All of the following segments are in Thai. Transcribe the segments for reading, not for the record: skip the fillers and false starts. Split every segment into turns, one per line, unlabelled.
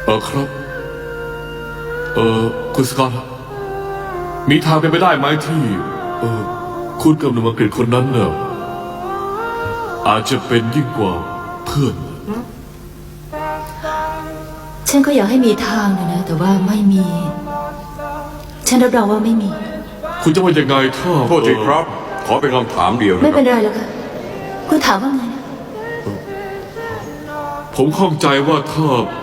ครับคุณสกอตมีทางเป็นไปได้ไหมที่คุณกับหนุ่มอังกฤษคนนั้นเนี่ยอาจจะเป็นยิ่งกว่าเพื่อน
ฉันก็อยากให้มีทางนะแต่ว่าไม่มีฉันรับรองว่าไม่มี
คุณจะว่ายังไงถ้า
โทษทีครับขอเป็นคำถามเดียว
ไม่เป็นไรหรอกค่ะคุณถามว่าไงนะ
ผมข้องใจว่าถ้า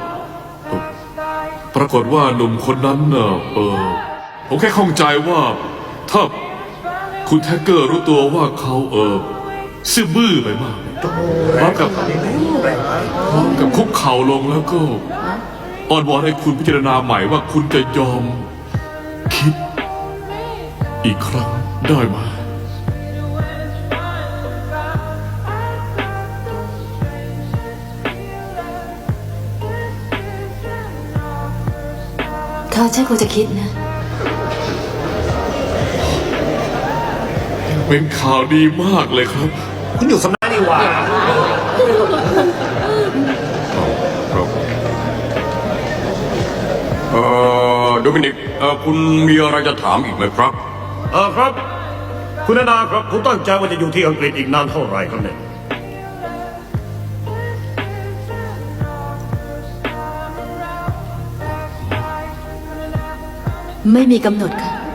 ปรากฏว่าหนุ่มคนนั้นผมแค่ข้องใจว่าถ้าคุณแท็กเกอร์รู้ตัวว่าเขาซื่อบื้อไปมากพร้อมกับคุกเข่าลงแล้วก็อ้อนวอนให้คุณพิจารณาใหม่ว่าคุณจะยอมคิดอีกครั้งได้ไหม
ค่ะฉันคงจะคิดนะ
เป็นข่าวดีมากเลยครับ
คุณอยู่สำนักนี่หว่า
โดมินิกคุณมีอะไรจะถามอีกไหมครับ
ครับคุณนาครับคุณตั้งใจว่าจะอยู่ที่อังกฤษอีกนานเท่าไหร่ครับเนี่ย
ไม่มีกำหนดค่ะ